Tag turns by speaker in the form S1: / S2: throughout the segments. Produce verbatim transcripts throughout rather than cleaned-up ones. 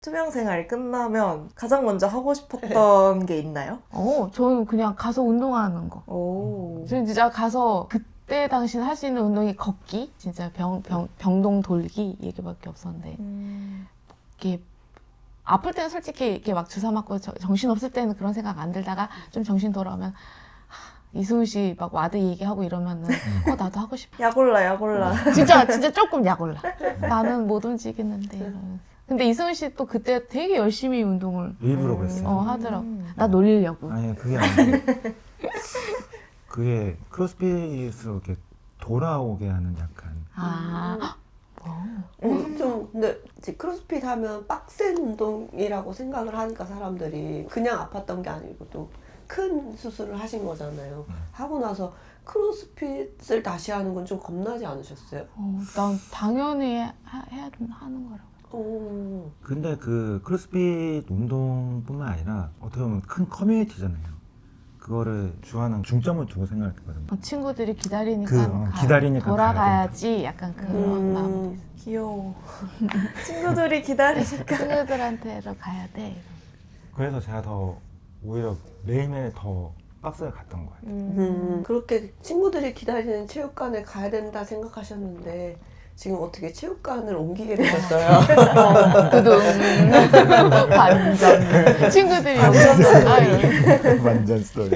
S1: 수영 생활이 끝나면 가장 먼저 하고 싶었던 게 있나요?
S2: 어, 저는 그냥 가서 운동하는 거.
S1: 오.
S2: 저는 진짜 가서 그때 당시는 할 수 있는 운동이 걷기, 진짜 병, 병, 병동 돌기 얘기밖에 없었는데
S1: 음.
S2: 이게 아플 때는 솔직히 이렇게 막 주사 맞고 저- 정신 없을 때는 그런 생각 안 들다가 좀 정신 돌아오면 하, 이승우 씨 막 와드 얘기하고 이러면은 어 나도 하고 싶어.
S1: 약올라 약올라.
S2: 진짜 진짜 조금 약 올라. 나는 못 움직이는데 이러면서. 근데 이승우 씨 또 그때 되게 열심히 운동을
S3: 일부러 그랬어요.
S2: 어, 하더라고.
S1: 음.
S2: 나 놀리려고.
S3: 아니 그게 아니고 그게 크로스핏으로 이렇게 돌아오게 하는 약간
S2: 아,
S4: 음, 좀 근데 이제 크로스핏 하면 빡센 운동이라고 생각을 하니까 사람들이 그냥 아팠던 게 아니고 또 큰 수술을 하신 거잖아요.
S3: 음.
S4: 하고 나서 크로스핏을 다시 하는 건 좀 겁나지 않으셨어요?
S2: 어, 난 당연히 해, 해야 하는 거라고.
S4: 오.
S3: 근데 그 크로스핏 운동뿐만 아니라 어떻게 보면 큰 커뮤니티잖아요. 그거를 주하는 중점을 두고 생각했거든요.
S2: 어, 친구들이 기다리니까
S3: 그, 어,
S2: 가-
S3: 기다리니까
S2: 돌아가야지 약간 그런
S4: 음.
S2: 마음이 있어.
S1: 귀여워. 친구들이 기다리니까.
S2: 친구들한테도 가야 돼.
S3: 그래서 제가 더 오히려 매일매일 더 박스를 갔던 거예요.
S4: 음, 그렇게 친구들이 기다리는 체육관에 가야 된다 생각하셨는데 지금 어떻게 체육관을 옮기게 되셨어요?
S2: 두둥 반전. 친구들이 오셨어요.
S3: 완전 스토리.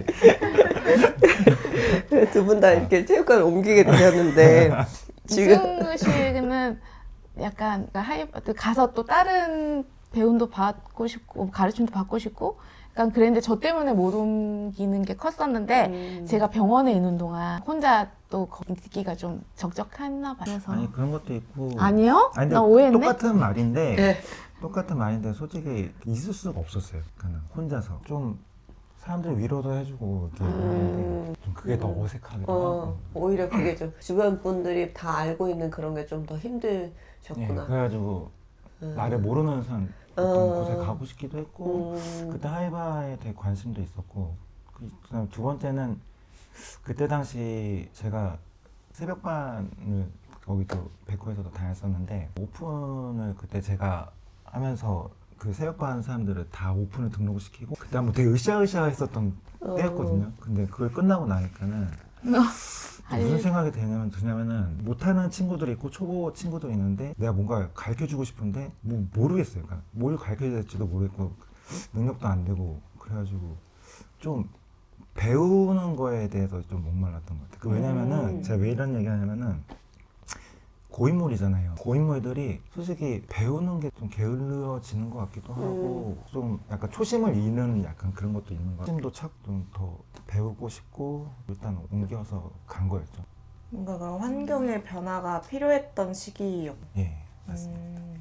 S4: 두 분 다 이렇게 체육관을 옮기게 되셨는데 지금
S2: 이승우 씨는 약간 하이 가서 또 다른 배움도 받고 싶고 가르침도 받고 싶고 약간 그랬는데 저 때문에 못 옮기는 게 컸었는데
S4: 음.
S2: 제가 병원에 있는 동안 혼자 또 있기가 좀 적적했나 봐요. 그래서
S3: 아니 그런 것도 있고.
S2: 아니요?
S3: 아니, 근데
S2: 나 오해했네?
S3: 똑같은 말인데
S4: 네.
S3: 똑같은 말인데 솔직히 있을 수가 없었어요. 그냥 혼자서 좀 사람들 위로도 해주고 이렇게 하는데
S4: 음.
S3: 좀 그게 더 어색하기도
S4: 어,
S3: 하고.
S4: 오히려 그게 좀 주변 분들이 다 알고 있는 그런 게 좀 더
S3: 예,
S4: 힘드셨구나.
S3: 그래가지고
S4: 음.
S3: 나를 모르는 사람
S4: 어.
S3: 어떤 곳에 가고 싶기도 했고
S4: 음.
S3: 그때 하이바에 되게 관심도 있었고 그 다음 두 번째는 그때 당시 제가 새벽반을 거기도 백호에서도 다녔었는데 오픈을 그때 제가 하면서 그 새벽반 사람들을 다 오픈을 등록을 시키고 그때 한번 되게 으쌰으쌰 했었던
S4: 어.
S3: 때였거든요. 근데 그걸 끝나고 나니까는 무슨 생각이 드냐면, 드냐면은 못하는 친구들이 있고 초보 친구도 있는데 내가 뭔가 가르쳐주고 싶은데 뭐 모르겠어야 그러니까 뭘 가르쳐야 될지도 모르겠고 능력도 안 되고 그래가지고 좀 배우는 거에 대해서 좀 목말랐던 것 같아요. 그 왜냐면은
S4: 음.
S3: 제가 왜 이런 얘기 하냐면은 고인물이잖아요. 고인물들이 솔직히 배우는 게 좀 게을러지는 것 같기도 하고 좀 약간 초심을 잃는 약간 그런 것도 있는 것 같아요. 초심도 찾고 좀 더 배우고 싶고 일단 옮겨서 간 거였죠.
S1: 뭔가 그런 환경의 변화가 필요했던 시기였고.
S3: 예, 맞습니다.
S1: 음.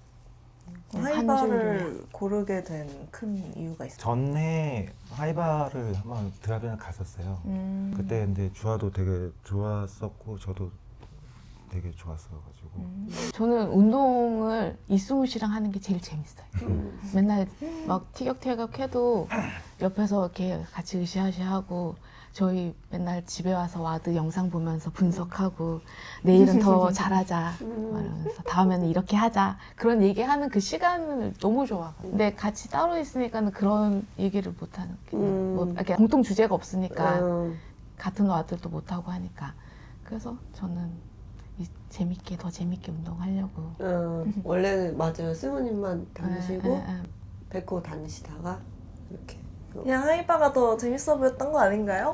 S2: 음,
S1: 하이바를 고르게 된 큰 이유가 있어요.
S3: 전에 하이바를 한번 드라이브를 갔었어요.
S1: 음.
S3: 그때 근데 주아도 되게 좋았었고 저도 되게 좋았어가지고
S1: 음.
S2: 저는 운동을 이승우 씨랑 하는 게 제일 재밌어요.
S4: 음.
S2: 맨날 막 티격태격 해도 옆에서 이렇게 같이 으쌰으쌰하고 저희 맨날 집에 와서 와드 영상 보면서 분석하고 내일은 더 잘하자 말하면서 다음에는 이렇게 하자 그런 얘기하는 그 시간을 너무 좋아. 근데 같이 따로 있으니까는 그런 얘기를 못 하는 게
S4: 음.
S2: 뭐 이렇게 공통 주제가 없으니까
S4: 음.
S2: 같은 와드도 못 하고 하니까 그래서 저는 이- 재밌게 더 재밌게 운동하려고.
S4: 음. 원래는 맞아요. 스무님만 다니시고
S2: 에, 에, 에.
S4: 백호 다니시다가 이렇게
S1: 그냥 하이바가 더 재밌어 보였던 거 아닌가요?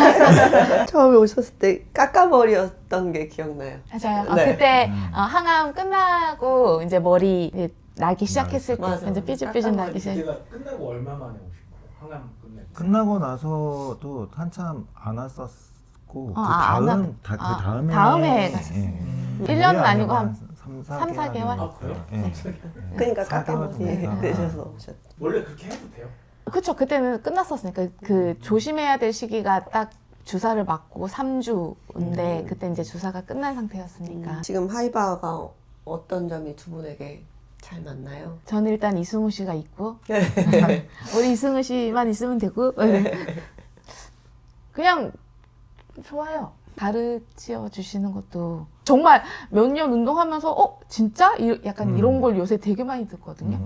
S4: 처음에 오셨을 때 까까머리였던 게 기억나요.
S2: 맞아요. 아,
S4: 네.
S2: 그때
S3: 음.
S2: 어, 항암 끝나고 이제 머리 이제 나기 시작했을 때
S4: 맞아.
S2: 이제 삐질삐질 나기 시작.
S5: 그때가 끝나고 얼마 만에 오신 거예요? 항암 끝내고.
S3: 끝나고 나서도 한참 안 왔었고
S2: 어,
S3: 그
S2: 아, 안
S3: 다음
S2: 왔-
S3: 다, 그
S2: 아,
S3: 다음에
S2: 다음에 갔었어요.
S5: 음.
S2: 일 년은 아니고 한
S3: 삼,
S2: 삼, 사 개월?
S5: 아, 그래요?
S3: 예.
S4: 그러니까
S3: 사 개월
S4: 까까머리
S3: 정도.
S4: 되셔서 오셨.
S5: 원래 그렇게 해도 돼요?
S2: 그쵸. 그때는 끝났었으니까 그 조심해야 될 시기가 딱 주사를 맞고 삼 주인데
S4: 음.
S2: 그때 이제 주사가 끝난 상태였으니까
S4: 지금 하이바가 어떤 점이 두 분에게 잘 맞나요?
S2: 저는 일단 이승우 씨가 있고 우리 이승우 씨만 있으면 되고 그냥 좋아요. 가르쳐 주시는 것도 정말 몇 년 운동하면서 어 진짜 이- 약간
S3: 음.
S2: 이런 걸 요새 되게 많이 듣거든요.
S3: 음.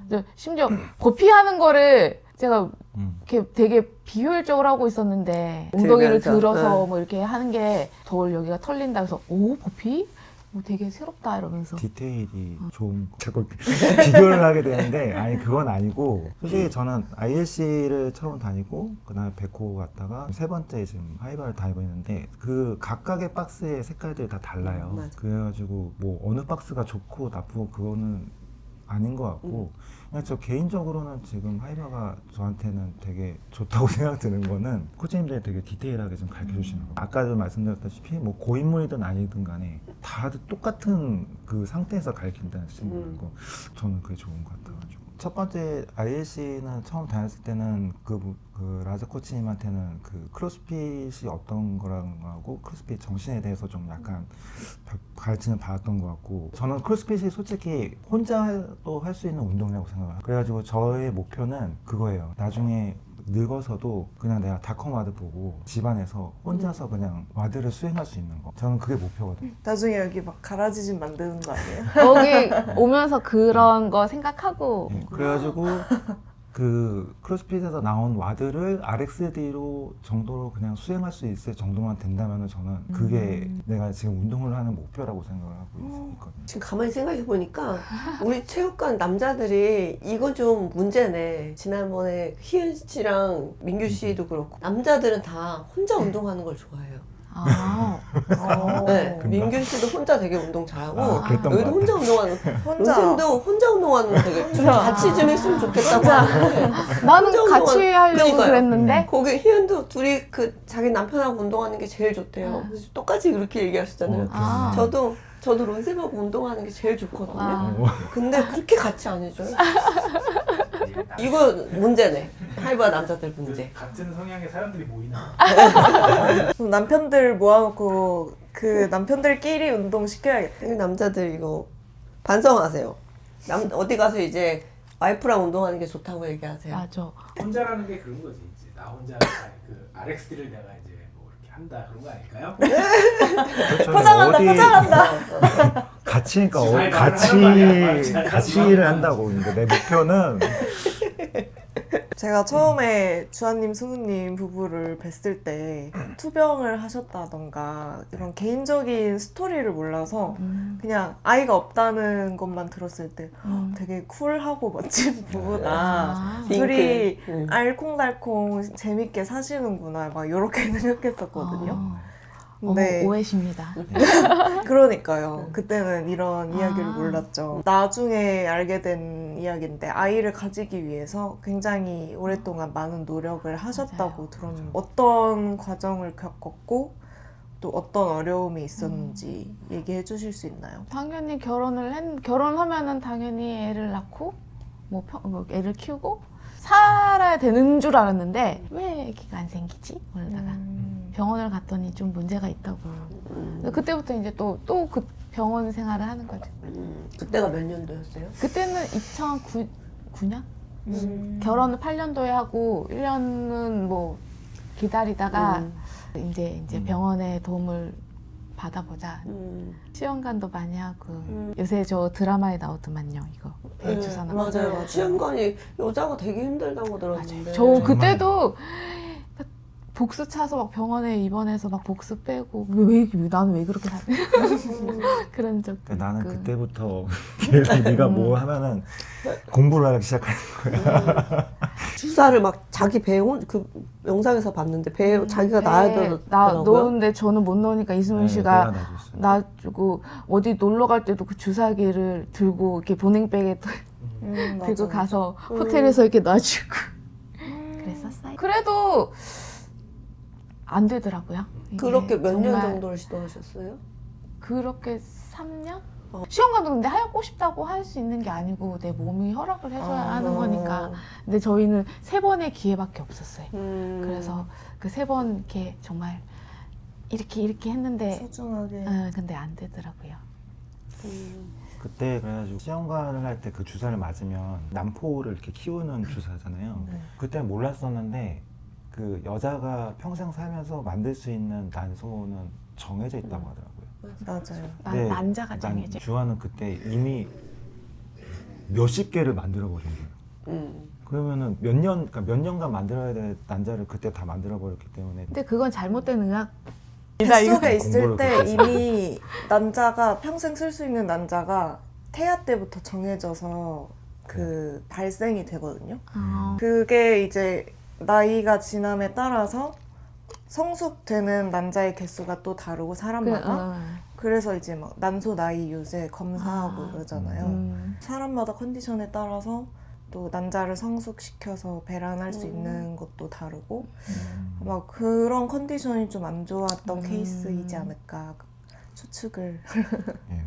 S2: 근데 심지어 버피하는 거를 제가
S3: 음.
S2: 이렇게 되게 비효율적으로 하고 있었는데 엉덩이를
S4: 들면서,
S2: 들어서
S4: 네.
S2: 뭐 이렇게 하는 게 덜 여기가 털린다 그래서 오 버피? 뭐 되게 새롭다 이러면서
S3: 디테일이 좋은 거. 자꾸 비교를 하게 되는데 아니 그건 아니고 솔직히 저는 아이엘씨를 처음 다니고 그다음에 백호 갔다가 세 번째 지금 하이바를 다니고 있는데 그 각각의 박스의 색깔들이 다 달라요.
S4: 맞아.
S3: 그래가지고 뭐 어느 박스가 좋고 나쁘고 그거는 아닌 것 같고 그냥 저 개인적으로는 지금 하이바가 저한테는 되게 좋다고 생각드는 거는 코치님들이 되게 디테일하게 좀 가르쳐 주시는 거. 아까도 말씀드렸다시피 뭐 고인물이든 아니든 간에 다들 똑같은 그 상태에서 가르친다는
S4: 음.
S3: 거 저는 그게 좋은 것 같아가지고 첫 번째 아이엘씨는 처음 다녔을 때는 그, 그 라자 코치님한테는 그 크로스핏이 어떤 거라고 크로스핏 정신에 대해서 좀 약간 가르침을 받았던 것 같고 저는 크로스핏이 솔직히 혼자도 할 수 있는 운동이라고 생각을 해요. 그래가지고 저의 목표는 그거예요. 나중에 늙어서도 그냥 내가 닷컴 와드 보고 집안에서 혼자서 그냥 와드를 수행할 수 있는 거 저는 그게 목표거든요.
S1: 나중에 여기 막 가라지 집 만드는 거 아니에요?
S2: 여기 오면서 그런 거 생각하고
S3: 네, 그래가지고 그 크로스핏에서 나온 와드를 알엑스디로 정도로 그냥 수행할 수 있을 정도만 된다면 저는 그게
S2: 음.
S3: 내가 지금 운동을 하는 목표라고 생각을 하고 있- 있거든요.
S4: 지금 가만히 생각해 보니까 우리 체육관 남자들이 이거 좀 문제네. 지난번에 희은 씨랑 민규 씨도 그렇고 남자들은 다 혼자 운동하는 걸 좋아해요.
S2: 아,
S1: 어.
S4: 네,
S3: 금방.
S4: 민규 씨도 혼자 되게 운동 잘하고
S3: 아, 그랬던
S4: 여기도
S3: 것
S4: 혼자 운동하는
S1: 혼자
S4: 론쌤도 혼자 운동하는 거 되게 좀
S1: 혼자.
S4: 같이 좀 했으면 좋겠다고 하는데
S2: 나는
S4: 혼자
S2: 같이
S4: 운동하는-
S2: 하려고
S4: 그러니까요.
S2: 그랬는데
S4: 거기 희은도 둘이 그 자기 남편하고 운동하는 게 제일 좋대요. 그래서 똑같이 그렇게 얘기하시잖아요.
S3: 어,
S2: 아.
S4: 저도 저도 론쌤하고 운동하는 게 제일 좋거든요.
S2: 아.
S3: 어.
S4: 근데 그렇게 같이 안 해줘요. 이거 문제네. 하이바 남자들 문제.
S5: 같은 성향의 사람들이 모이는
S1: 그럼 남편들 모아놓고 그 남편들끼리 운동 시켜야겠다.
S4: 이 남자들 이거 반성하세요. 남 어디 가서 이제 와이프랑 운동하는 게 좋다고 얘기하세요.
S2: 맞아.
S5: 혼자라는 게 그런 거지. 이제 나 혼자 그 알엑스디를 내가 이제 뭐 이렇게 한다 그런 거 아닐까요?
S3: 그렇죠.
S1: 포장한다,
S3: 어디
S1: 포장한다.
S3: 같이니까 어,
S5: 잘
S3: 같이
S5: 하는 말이야, 말이야.
S3: 같이 일을 한다고. 그러니까 내 목표는
S1: 제가 처음에 주한님, 승우님 부부를 뵀을 때 투병을 하셨다던가 이런 개인적인 스토리를 몰라서
S2: 음.
S1: 그냥 아이가 없다는 것만 들었을 때
S2: 음.
S1: 되게 쿨하고 멋진 부부다.
S2: 아.
S1: 둘이
S4: 링크. 응.
S1: 알콩달콩 재밌게 사시는구나 막 이렇게 생각했었거든요.
S2: 어.
S1: 근데
S2: 어, 오해십니다.
S1: 그러니까요. 그때는 이런 이야기를
S2: 아.
S1: 몰랐죠. 나중에 알게 된 이야기인데 아이를 가지기 위해서 굉장히 오랫동안 많은 노력을 하셨다고
S2: 맞아요.
S1: 들었는데 어떤 과정을 겪었고 또 어떤 어려움이 있었는지 얘기해 주실 수 있나요?
S2: 당연히 결혼을 했, 결혼하면은 당연히 애를 낳고 뭐, 평, 뭐 애를 키우고 살아야 되는 줄 알았는데 왜 애기가 안 생기지? 그러다가
S1: 음.
S2: 병원을 갔더니 좀 문제가 있다고.
S4: 음.
S2: 그때부터 이제 또 또 그 병원 생활을 하는 거죠.
S4: 음. 그때가 몇 년도였어요?
S2: 그때는 이천구 년?
S1: 음.
S2: 결혼을 팔 년도에 하고 일 년은 뭐 기다리다가
S4: 음.
S2: 이제 이제
S3: 음.
S2: 병원의 도움을 받아보자.
S4: 음.
S2: 시험관도 많이 하고
S4: 음.
S2: 요새 저 드라마에 나오더만요 이거
S4: 네,
S2: 배주산업.
S4: 맞아요.
S1: 맞아요.
S4: 시험관이 여자가 되게 힘들다고 들었는데.
S2: 저
S3: 정말.
S2: 그때도 복수 차서 막 병원에 입원해서 막 복수 빼고 왜, 왜 나는 왜 그렇게 살 그런 적도
S3: 그러니까 나는
S2: 있고.
S3: 그때부터 계속 네가 뭐 하면은 공부를 하기 시작하는
S4: 주사를 막 자기 배에 혼- 그 영상에서 봤는데 배에
S2: 음,
S4: 자기가
S2: 배
S4: 나야
S2: 나
S4: 되더라고요.
S2: 놓는데 저는 못 놓으니까 이수민 씨가
S3: 내가 놔줬어요.
S2: 놔주고 어디 놀러 갈 때도 그 주사기를 들고 이렇게 보냉백에
S1: 음,
S2: 들고
S1: 맞아요.
S2: 가서
S4: 음.
S2: 호텔에서 이렇게 놔주고
S1: 음.
S2: 그랬었어요. 그래도 안 되더라고요. 이게
S4: 그렇게 몇 년
S2: 정말
S4: 정도를 시도하셨어요?
S2: 그렇게 삼 년?
S4: 어.
S2: 시험관도 근데 하고 싶다고 할 수 있는 게 아니고 내 몸이 허락을 해줘야
S1: 아.
S2: 하는 거니까. 근데 저희는 세 번의 기회밖에 없었어요.
S4: 음.
S2: 그래서 그 세 번 이렇게 정말 이렇게 이렇게 했는데
S1: 소중하게
S2: 어, 근데 안 되더라고요.
S4: 음.
S3: 그때 그래가지고 시험관을 할 때 그 주사를 맞으면 난포를 이렇게 키우는 주사잖아요.
S1: 네.
S3: 그때는 몰랐었는데 그 여자가 평생 살면서 만들 수 있는 난소는 정해져 있다고 하더라고요.
S1: 맞아요.
S2: 난
S3: 네,
S2: 난자가
S3: 난
S2: 정해져.
S3: 주아는 그때 이미 몇십 개를 만들어 버린 거예요.
S4: 음.
S3: 그러면은 몇 년, 그러니까 몇 년간 만들어야 될 난자를 그때 다 만들어 버렸기 때문에
S2: 근데 그건 잘못된 의학.
S1: 뱃속에 있을
S3: 공부를
S1: 때
S3: 그렇게
S1: 이미 난자가 평생 쓸 수 있는 난자가 태아 때부터 정해져서 그 발생이 되거든요.
S2: 어.
S1: 그게 이제 나이가 지남에 따라서 성숙되는 난자의 개수가 또 다르고
S2: 그,
S1: 사람마다
S2: 어.
S1: 그래서 이제 막 난소 나이 요새 검사하고
S2: 아.
S1: 그러잖아요.
S2: 음.
S1: 사람마다 컨디션에 따라서 또 난자를 성숙시켜서 배란할 수
S4: 음.
S1: 있는 것도 다르고
S3: 음.
S1: 아마 그런 컨디션이 좀 안 좋았던
S2: 음.
S1: 케이스이지 않을까 추측을.
S3: 예.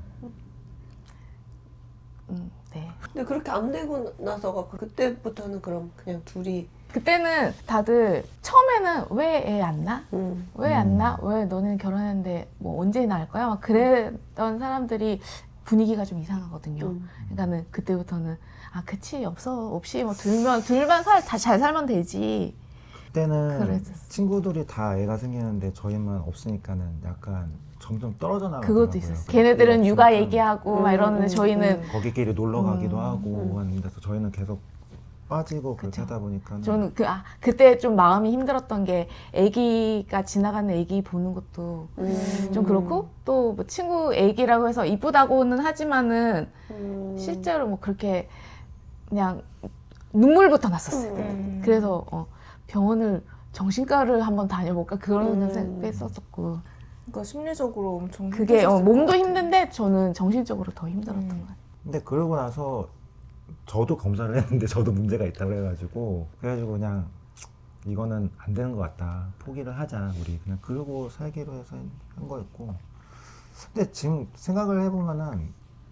S2: 음, 네.
S4: 근데 그렇게 안 되고 나서가 그때부터는 그럼 그냥 둘이
S2: 그때는 다들 처음에는 왜 애 안 낳아?
S4: 음.
S2: 왜 안
S3: 음.
S2: 낳아? 왜 너는 결혼했는데 뭐 언제 낳을 거야? 막 그랬던 사람들이 분위기가 좀 이상하거든요.
S4: 음.
S2: 그러니까는 그때부터는 아 그치 없어 없이 뭐 둘만 둘만 살 다 잘 살면 되지.
S3: 그때는
S2: 그랬었어.
S3: 친구들이 다 애가 생기는데 저희만 없으니까는 약간 점점 떨어져 나가더라고요.
S2: 그것도 있었어. 걔네들은 육아
S3: 없으니까
S2: 얘기하고
S4: 음,
S2: 막 이러는데
S4: 음,
S2: 저희는
S4: 음.
S3: 거기끼리 놀러 가기도
S2: 음,
S3: 하고
S4: 음.
S3: 하는데 저희는 계속 빠지고 그렇게
S2: 그쵸.
S3: 하다 보니까
S2: 저는 그 아 그때 좀 마음이 힘들었던 게 아기가 지나가는 아기 보는 것도
S4: 음.
S2: 좀 그렇고 또 뭐 친구 아기라고 해서 이쁘다고는 하지만은
S4: 음.
S2: 실제로 뭐 그렇게 그냥 눈물부터 났었어요.
S4: 음.
S2: 그래서 어, 병원을 정신과를 한번 다녀볼까 그런
S4: 음.
S2: 생각도 했었었고
S1: 그러니까 심리적으로 엄청
S2: 그게 어,
S1: 힘드셨을
S2: 몸도
S1: 것 같아요.
S2: 힘든데 저는 정신적으로 더 힘들었던
S1: 음.
S2: 것 같아요.
S3: 근데 그러고 나서 저도 검사를 했는데 저도 문제가 있다고 그래가지고 그래가지고 그냥 이거는 안 되는 것 같다 포기를 하자 우리 그냥 그러고 살기로 해서 한 거였고 근데 지금 생각을 해보면은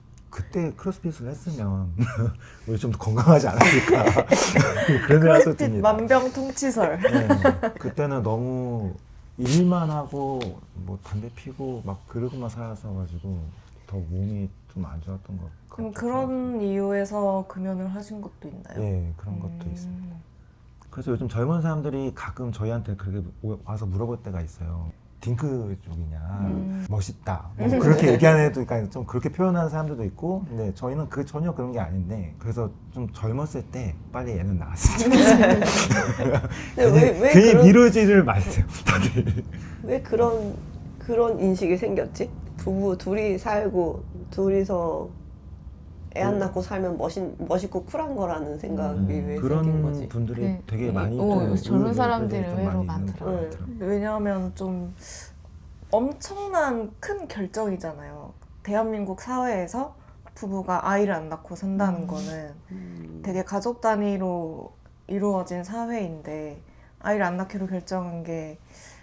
S3: 그때 크로스핏을 했으면 우리 좀 더 건강하지 않았을까 그런 생각도
S1: 크로스핏
S3: 듭니다.
S1: 만병통치설.
S3: 네, 그때는 너무 일만 하고 뭐 담배 피고 막 그러고만 살았어가지고 더 몸이 좀 안 좋았던 것 같아요.
S1: 그럼 그런 이유에서 금연을 하신 것도 있나요?
S3: 예 그런 것도
S1: 음.
S3: 있습니다. 그래서 요즘 젊은 사람들이 가끔 저희한테 그렇게 오- 와서 물어볼 때가 있어요. 딩크 쪽이냐,
S1: 음.
S3: 멋있다. 뭐 그렇게 얘기하는 애도, 그러니까 좀 그렇게 표현하는 사람들도 있고, 근데 저희는 그 전혀 그런 게 아닌데, 그래서 좀 젊었을 때 빨리 애는 낳았으면 좋겠어요.
S4: 근데 왜, 왜
S3: 괜히
S4: 그런
S3: 미루지를 마세요, 다들.
S4: 왜 그런 그런 인식이 생겼지? 부부 둘이 살고 둘이서 애 안 낳고 살면 멋있, 멋있고 쿨한 거라는 생각이
S1: 음,
S4: 왜 생긴
S3: 그런
S4: 거지?
S3: 분들이
S2: 네.
S3: 되게
S2: 이-
S3: 많이
S2: 어,
S3: 좀
S2: 요새 젊은
S3: 의외로
S2: 사람들이
S3: 좀
S2: 의외로
S3: 많이 있는 것
S2: 많더라고요.
S3: 같더라고요.
S1: 왜냐하면 좀 엄청난 큰 결정이잖아요. 대한민국 사회에서 부부가 아이를 안 낳고 산다는
S2: 음.
S1: 거는
S4: 음.
S1: 되게 가족 단위로 이루어진 사회인데 아이를 안 낳기로 결정한 게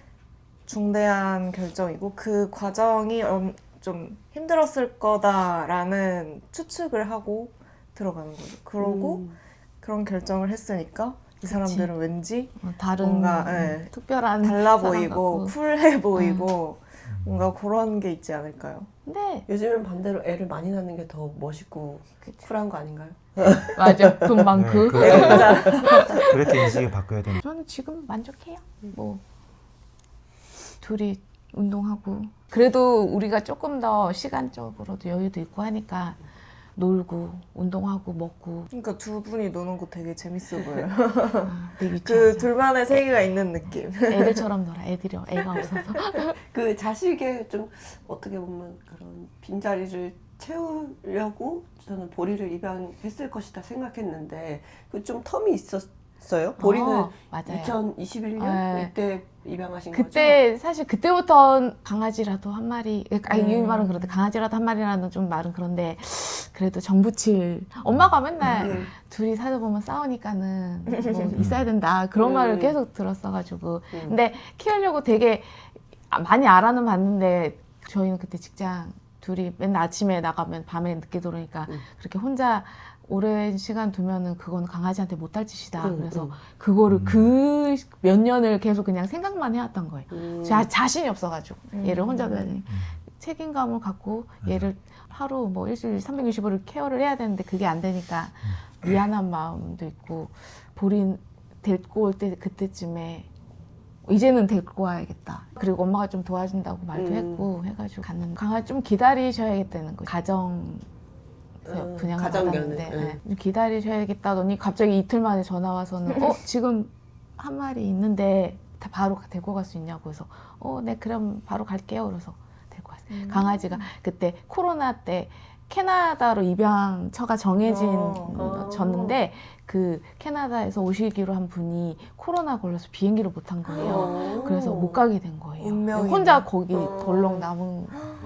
S1: 중대한 결정이고 그 과정이 엄- 좀 힘들었을 거다라는 추측을 하고 들어가는 거죠. 그러고
S4: 음.
S1: 그런 결정을 했으니까 이 사람들은 왠지
S2: 어, 다른
S1: 뭔가,
S2: 음,
S1: 예.
S2: 특별한
S1: 달라
S2: 사람
S1: 보이고
S2: 같고.
S1: 쿨해 보이고 뭔가 그런 게 있지 않을까요?
S2: 근데
S4: 요즘은 반대로 애를 많이 낳는 게 더 멋있고 쿨한 거 아닌가요?
S2: 맞아 돈 많고.
S3: 네, 그렇게, 그렇게 인식이 바뀌어야 되는.
S2: 저는 지금 만족해요. 뭐 둘이 운동하고 그래도 우리가 조금 더 시간적으로도 여유도 있고 하니까 놀고 운동하고 먹고
S1: 그러니까 두 분이 노는 거 되게 재밌어 보여요.
S2: 아, 되게
S1: 그
S2: 유치하죠.
S1: 둘만의 세계가 있는 느낌.
S2: 애들처럼 놀아. 애들이 애가 없어서.
S4: 그 자식의 좀 어떻게 보면 그런 빈자리를 채우려고 저는 보리를 입양했을 것이다 생각했는데 그 좀 텀이 있었어요? 보리는
S2: 어, 맞아요.
S4: 이천이십일 년
S2: 네.
S4: 이때 입양하신
S2: 그때 사실 그때부터 강아지라도 한 마리 아니
S1: 음.
S2: 이 말은 그런데 강아지라도 한 마리라는 좀 말은 그런데 그래도 정부칠 엄마가 맨날
S4: 거죠? 음.
S2: 둘이 살다 보면 싸우니까는 뭐 있어야 된다 그런
S4: 음.
S2: 말을 계속 들었어가지고
S4: 음.
S2: 근데 키우려고 되게 아- 많이 알아는 봤는데 저희는 그때 직장 둘이 맨날 아침에 나가면 밤에 늦게 들어오니까
S4: 음.
S2: 그렇게 혼자 오랜 시간 두면은 그건 강아지한테 못할 짓이다.
S4: 음,
S2: 그래서
S4: 음.
S2: 그거를
S3: 음.
S2: 그 몇 년을 계속 그냥 생각만 해왔던 거예요.
S4: 음.
S2: 자, 자신이 없어가지고
S1: 음.
S2: 얘를 혼자 둬야 되니 책임감을 갖고 얘를 하루 뭐 일주일 삼백육십 일을 케어를 해야 되는데 그게 안 되니까 미안한 마음도 있고 보린 데리고 올 때 그때쯤에 이제는 데리고 와야겠다. 그리고 엄마가 좀 도와준다고 말도
S4: 음.
S2: 했고 해가지고 갔는데 강아지 좀 기다리셔야겠다는 거예요. 가정
S4: 음,
S2: 분양을
S4: 가정견을,
S2: 받았는데 네. 기다리셔야겠다더니 갑자기 이틀 만에 전화 와서는 어 지금 한 마리 있는데 다 바로 데리고 갈 수 있냐고 해서 어 네 그럼 바로 갈게요. 그래서 데리고 왔어요.
S1: 음.
S2: 강아지가 그때 코로나 때 캐나다로 입양처가 정해진
S1: 어.
S2: 졌는데 그 캐나다에서 오시기로 한 분이 코로나 걸려서 비행기를 못 탄 거예요.
S4: 어.
S2: 그래서 못 가게 된 거예요.
S1: 운명이네.
S2: 혼자 거기
S4: 어.
S2: 덜렁 남은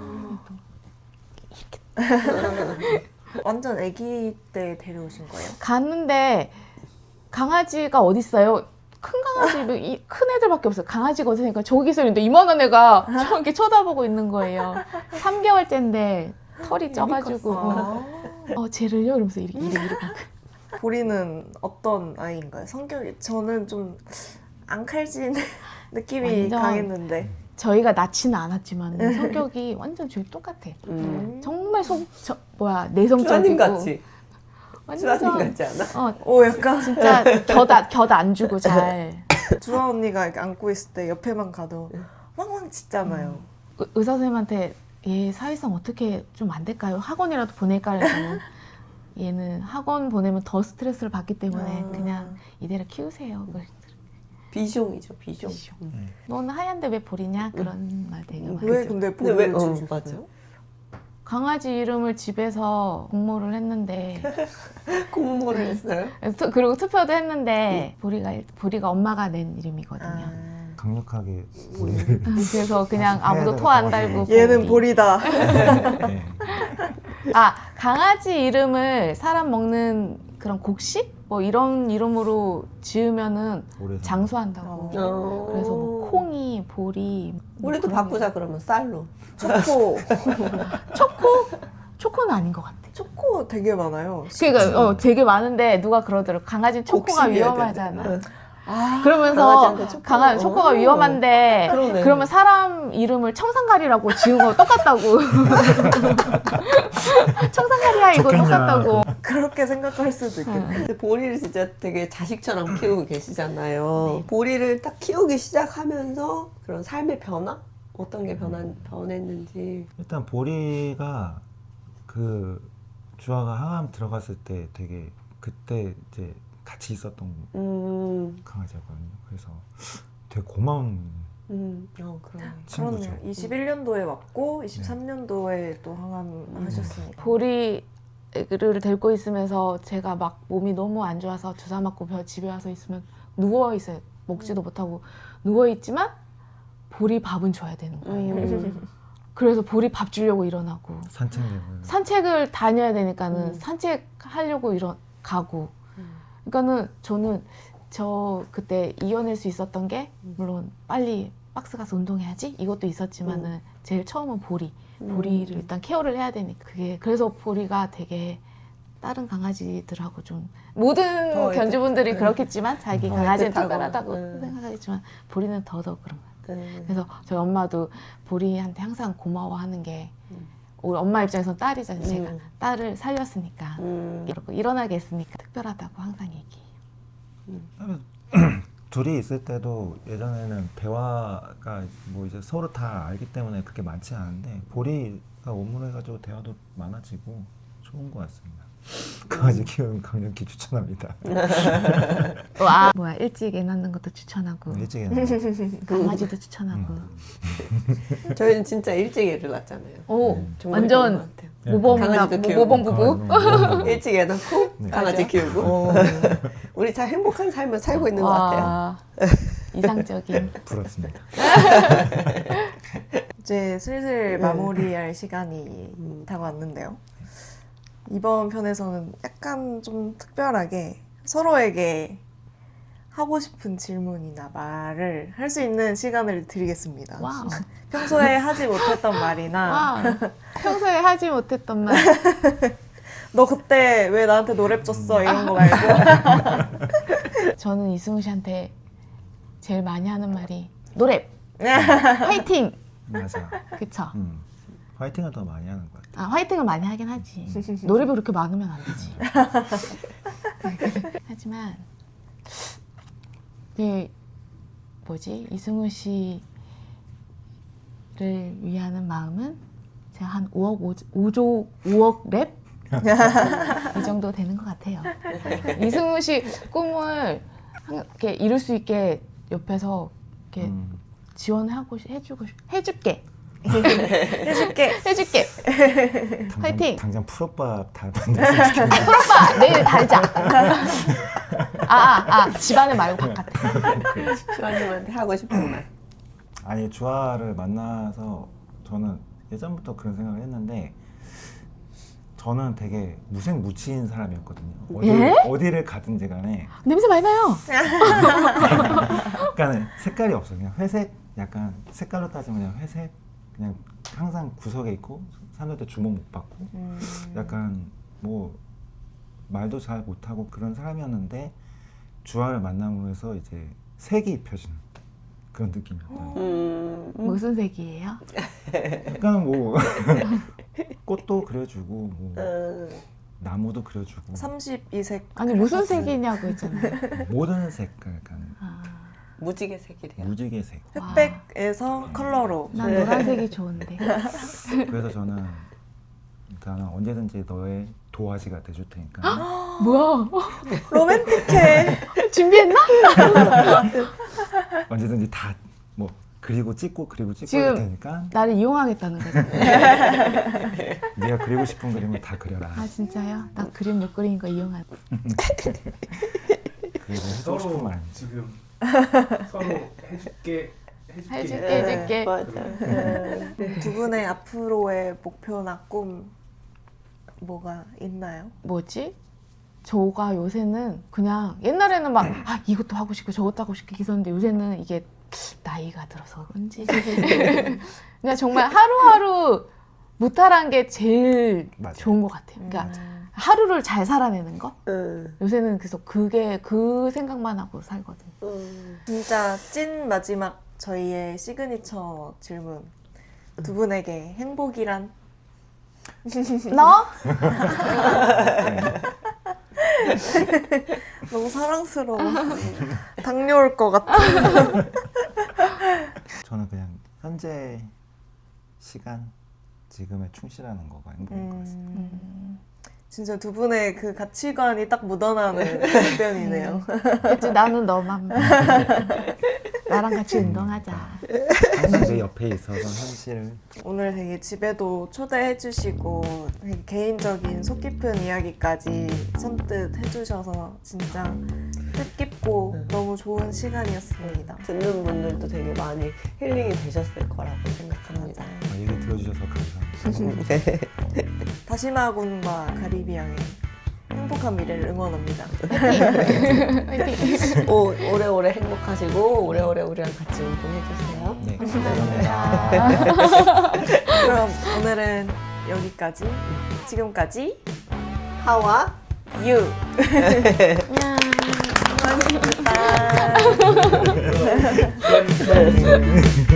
S1: 완전 아기 때 데려오신 거예요?
S2: 갔는데 강아지가 어딨어요? 큰 강아지, 뭐 이- 큰 애들밖에 없어요. 강아지가 어디니까 저기서 있는데 이만한 애가 저렇게 쳐다보고 있는 거예요. 삼 개월째인데 털이 쪄가지고
S1: 아.
S2: 어 쟤를요? 이러면서 이렇게 이렇게 이렇게
S1: 보리는 어떤 아이인가요? 성격이 저는 좀 앙칼진 느낌이
S2: 완전
S1: 강했는데
S2: 저희가 낳지는 않았지만 성격이 완전 저희 똑같아.
S4: 음.
S2: 정말 속 저, 뭐야
S4: 주아님
S2: 내성적이고
S4: 같지? 주아님
S2: 완전
S4: 같지 않아?
S2: 어
S1: 오 약간
S2: 진짜 곁안 주고 잘
S1: 주아 언니가 이렇게 안고 있을 때 옆에만 가도 왕왕 짖잖아요.
S2: 의- 의사 선생님한테 얘 사회성 어떻게 좀 안 될까요? 학원이라도 보낼까 해서 얘는 학원 보내면 더 스트레스를 받기 때문에
S1: 아.
S2: 그냥 이대로 키우세요.
S4: 비숑이죠, 비숑.
S2: 비숑.
S4: 음.
S2: 넌 하얀데 왜 보리냐? 그런 말 되게
S4: 음.
S2: 많이.
S1: 왜 근데
S4: 근데 왜?
S1: 보리를
S4: 어,
S1: 주셨어요?
S4: 맞아요.
S2: 강아지 이름을 집에서 공모를 했는데
S4: 공모를 했어요?
S2: 투- 그리고 투표도 했는데 보리가 일- 보리가 엄마가 낸 이름이거든요.
S1: 아.
S3: 강력하게 보리를
S2: 그래서 그냥
S3: 해야
S2: 아무도
S3: 되는
S2: 토 안
S3: 상황이에요.
S2: 달고
S1: 얘는
S2: 보리.
S1: 보리다.
S3: 네.
S2: 아 강아지 이름을 사람 먹는 그런 곡식 뭐 이런 이름으로 지으면은
S3: 오래 산-
S2: 장수한다고.
S1: 어.
S2: 그래서 뭐 콩이, 보리. 뭐
S4: 우리도
S2: 그런
S4: 바꾸자 그러면 쌀로.
S1: 초코.
S2: 초코? 초코는 아닌 것 같아.
S1: 초코 되게 많아요.
S2: 그러니까 어, 되게 많은데 누가 그러더라고. 강아지 초코가
S4: 곡식이어야
S2: 위험하잖아.
S4: 되는데.
S1: 아,
S2: 그러면서
S4: 강아지한테 초코.
S2: 강아 초코가
S4: 어.
S2: 위험한데
S4: 그러네.
S2: 그러면 사람 이름을 청산가리라고 지은 거 똑같다고. 청산가리야 이거
S3: 좋겠냐.
S2: 똑같다고.
S1: 그렇게 생각할 수도 있겠네.
S4: 근데 보리를 진짜 되게 자식처럼 키우고 계시잖아요. 보리를 딱 키우기 시작하면서 그런 삶의 변화? 어떤 게 변한, 변했는지.
S3: 일단 보리가 그 주아가 항암 들어갔을 때 되게 그때 이제 같이 있었던
S4: 음,
S3: 강아지였거든요. 그래서 되게 고마운
S4: 음, 어, 그러네.
S3: 친구죠.
S1: 그렇네요. 이십일 년도에 왔고 이십삼 년도에 또 항암하셨으니까.
S2: 보리를 데리고 있으면서 제가 막 몸이 너무 안 좋아서 주사 맞고 벼- 집에 와서 있으면 누워 있어요. 먹지도 못하고 누워 있지만 보리 밥은 줘야 되는 거예요.
S4: 음.
S2: 그래서 보리 밥 주려고 일어나고
S3: 산책을
S2: 산책을 다녀야 되니까는
S4: 음.
S2: 산책하려고 일어 가고. 그러니까는 저는 저 그때 이겨낼 수 있었던 게 물론 빨리 박스 가서 운동해야지 이것도 있었지만은 제일 처음은 보리. 보리를 일단 케어를 해야 되니까 그게 그래서 보리가 되게 다른 강아지들하고 좀 모든
S4: 더
S2: 견주분들이
S4: 애틋-
S2: 그렇겠지만 자기
S4: 더
S2: 강아지는
S4: 애틋하고.
S2: 특별하다고
S4: 음.
S2: 생각하겠지만 보리는 더더욱 그런 것 같아요.
S4: 네.
S2: 그래서 저희 엄마도 보리한테 항상 고마워하는 게
S4: 음.
S2: 우리 엄마 입장에선 딸이잖아요. 제가
S4: 음.
S2: 딸을 살렸으니까
S4: 음.
S2: 이러고 일어나게 했으니까 특별하다고 항상 얘기해요.
S3: 둘이 있을 때도 예전에는 대화가 뭐 이제 서로 다 알기 때문에 그렇게 많지 않은데 보리가 원문해가지고 대화도 많아지고 좋은 것 같습니다. 강아지 키우는 강력히 추천합니다.
S2: 와 뭐야 일찍 애 낳는 것도 추천하고
S3: 일찍 했는데
S2: 강아지도 추천하고
S4: 저희는 진짜 일찍 애를 낳았잖아요.
S2: 오
S3: 음.
S4: 정말
S2: 완전
S4: 좋은 것 같아요.
S2: 모범
S4: 강아지도 키우고.
S2: 모범 부부
S3: 강아지
S4: 일찍 애 낳고
S3: 네.
S4: 강아지
S2: 맞아.
S4: 키우고 우리 잘 행복한 삶을 살고 있는 것 같아요.
S2: 와 이상적인
S3: 부럽습니다.
S1: 이제 슬슬 마무리할 시간이
S4: 음.
S1: 다가왔는데요. 이번 편에서는 약간 좀 특별하게 서로에게 하고 싶은 질문이나 말을 할 수 있는 시간을 드리겠습니다.
S2: 와우
S1: 평소에 하지 못했던 말이나
S2: 와 평소에 하지 못했던 말
S1: 너 그때 왜 나한테 노래 줬어 이런 거 말고
S2: 저는 이승우 씨한테 제일 많이 하는 말이 노래 화이팅
S3: 맞아.
S2: 그쵸
S3: 음. 화이팅을 더 많이 하는 것 같아.
S2: 아 화이팅을 많이 하긴 하지 노래비 그렇게 많으면 안 되지 하지만 그 뭐지 이승우 씨를 위하는 마음은 제가 한 오억 오조 오억 랩 이 정도 되는 것 같아요. 이승우 씨 꿈을 한- 이렇게 이룰 수 있게 옆에서 이렇게
S3: 음,
S2: 지원하고 싶- 해주고 싶- 해줄게
S1: 해줄게.
S2: 해줄게
S3: 당장,
S2: 화이팅!
S3: 당장 풀오빠 다 만났으면 좋겠는데.
S2: 오빠 내일 달자. 아아 아, 집안에 말고 바깥에.
S4: 주아님한테 하고 싶은 말.
S3: 아니 주아를 만나서 저는 예전부터 그런 생각을 했는데 저는 되게 무색무취인 사람이었거든요. 어디,
S2: 예?
S3: 어디를 가든지 간에
S2: 냄새 많이 나요.
S3: 약간 색깔이 없어. 그냥 회색, 약간 색깔로 따지면 그냥 회색. 그냥 항상 구석에 있고 사람들한테 주목 못 받고
S1: 음.
S3: 약간 뭐 말도 잘 못하고 그런 사람이었는데 주아를 만남으로 해서 이제 색이 입혀지는 그런 느낌이었다.
S4: 음,
S2: 무슨 색이에요?
S3: 약간 뭐 꽃도 그려주고 뭐
S4: 음,
S3: 나무도 그려주고
S1: 삼십이 색.
S2: 아니 무슨 색이냐고 했잖아요.
S3: 모든 색깔 약간
S2: 아,
S4: 무지개 색이래요.
S3: 무지개 색.
S1: 흑백에서 컬러로.
S2: 난 노란색이 좋은데.
S3: 그래서 저는 나는 언제든지 너의 도화지가 돼줄 테니까
S2: 뭐야?
S1: 로맨틱해.
S2: 준비했나?
S3: 언제든지 다 뭐 그리고 찍고 그리고 찍고
S2: 지금
S3: 할 테니까
S2: 나를 이용하겠다는 거죠.
S3: 네가 그리고 싶은 그림을 다 그려라.
S2: 아 진짜요? 나 그림 못 그리는 거 이용할.
S3: 그래서 해주고 싶은
S5: 서로
S3: 말.
S5: 지금 서로 해줄게 해줄게.
S2: 해줄게 해줄게.
S4: 맞아. 음.
S1: 두 분의 앞으로의 목표나 꿈 뭐가 있나요?
S2: 뭐지? 저가 요새는 그냥 옛날에는 막 아, 이것도 하고 싶고 저것도 하고 싶고 있었는데 요새는 이게 나이가 들어서 그런지 그냥 정말 하루하루 무탈한 게 제일
S3: 맞아요.
S2: 좋은 것 같아요. 그러니까
S1: 음.
S2: 하루를 잘 살아내는 거.
S4: 음,
S2: 요새는 그래서 그게 그 생각만 하고 살거든요.
S4: 음.
S1: 진짜 찐 마지막 저희의 시그니처 질문. 두 분에게 행복이란?
S2: 너?
S1: 너무 사랑스러워. 당뇨 올 것 같아.
S3: 저는 그냥 현재 시간 지금에 충실하는 거가 행복인 것 같습니다.
S1: 음, 진짜 두 분의 그 가치관이 딱 묻어나는 답변이네요.
S2: 그치, 나는 너만 나랑 같이 운동하자.
S3: 항상 내 옆에 있어서 현실을
S1: 오늘 되게 집에도 초대해 주시고 되게 개인적인 속 깊은 이야기까지 선뜻 해주셔서 진짜 뜻깊고 너무 좋은 시간이었습니다.
S4: 듣는 분들도 되게 많이 힐링이 되셨을 거라고 생각합니다.
S3: 어, 얘기 들어주셔서 감사합니다.
S1: 다시마 군과 가리비양의 행복한 미래를 응원합니다.
S2: 화이팅!
S4: 오, 오래오래 행복하시고 오래오래 우리랑 같이 운동해주세요.
S3: 네, 감사합니다.
S1: 그럼 오늘은 여기까지. 지금까지
S4: 하와
S1: 유.
S2: 안녕.
S1: 고맙습니다.
S5: 그런